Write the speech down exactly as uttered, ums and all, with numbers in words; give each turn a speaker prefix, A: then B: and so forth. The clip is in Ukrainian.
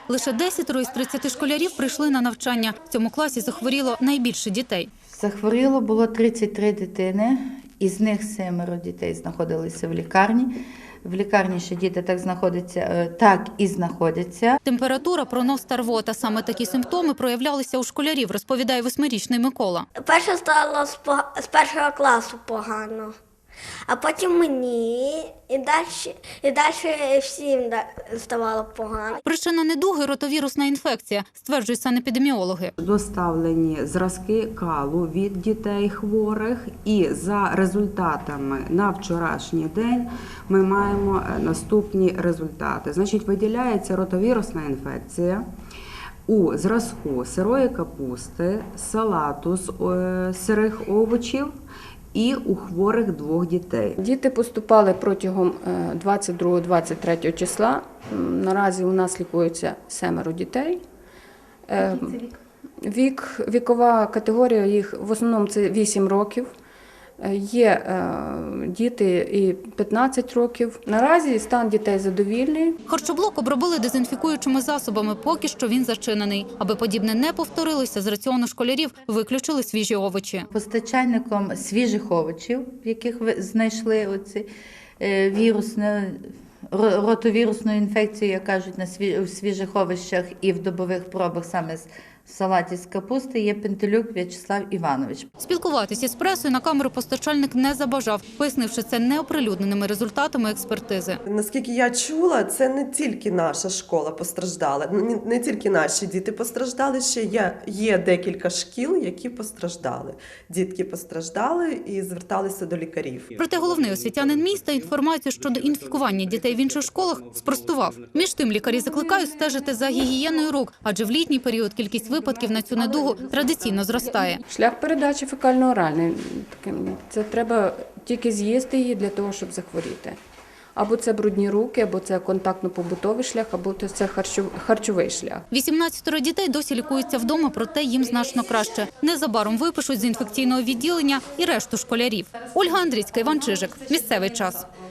A: Лише десятеро із тридцяти школярів прийшли на навчання. В цьому класі захворіло найбільше дітей.
B: Захворіло було тридцять три дитини, із них семеро дітей знаходилися в лікарні. В лікарні ще діти так знаходяться, так і знаходяться.
A: Температура, пронос та рвота. Саме такі симптоми проявлялися у школярів, розповідає восьмирічний Микола.
C: Перше стало з, пога- з першого класу погано, а потім мені і далі, і далі всім да- ставало погано.
A: Причина недуги – ротовірусна інфекція, стверджують санепідеміологи.
D: Доставлені зразки калу від дітей хворих, і за результатами на вчорашній день ми маємо наступні результати. Значить, виділяється ротовірусна інфекція у зразку сирої капусти, салату з е, сирих овочів і у хворих двох дітей.
E: Діти поступали протягом двадцять другого - двадцять третього числа. Наразі у нас лікується семеро дітей. Вік, вікова категорія їх в основному це вісім років. Є е, діти і п'ятнадцять років. Наразі стан дітей задовільний.
A: Харчоблок обробили дезінфікуючими засобами, поки що він зачинений. Аби подібне не повторилося, з раціону школярів виключили свіжі овочі.
B: Постачальником свіжих овочів, в яких ви знайшли оці е, вірусну, ро- ротовірусну інфекцію, як кажуть, на сві- в свіжих овочах і в добових пробах саме з в салаті з капусти, є Пентелюк В'ячеслав Іванович.
A: Спілкуватися із пресою на камеру постачальник не забажав, пояснивши це неоприлюдненими результатами експертизи.
F: Наскільки я чула, це не тільки наша школа постраждала, не, не тільки наші діти постраждали, ще є, є декілька шкіл, які постраждали. Дітки постраждали і зверталися до лікарів.
A: Проте головний освітянин міста інформацію щодо інфікування дітей в інших школах спростував. Між тим лікарі закликають стежити за гігієною рук, адже в літній період кількість випадків на цю недугу традиційно зростає.
E: Шлях передачі фекально-оральний. Це треба тільки з'їсти її для того, щоб захворіти. Або це брудні руки, або це контактно-побутовий шлях, або це харчовий шлях.
A: вісімнадцятеро дітей досі лікуються вдома, проте їм значно краще. Незабаром випишуть з інфекційного відділення і решту школярів. Ольга Андрійська, Іван Чижик. Місцевий час.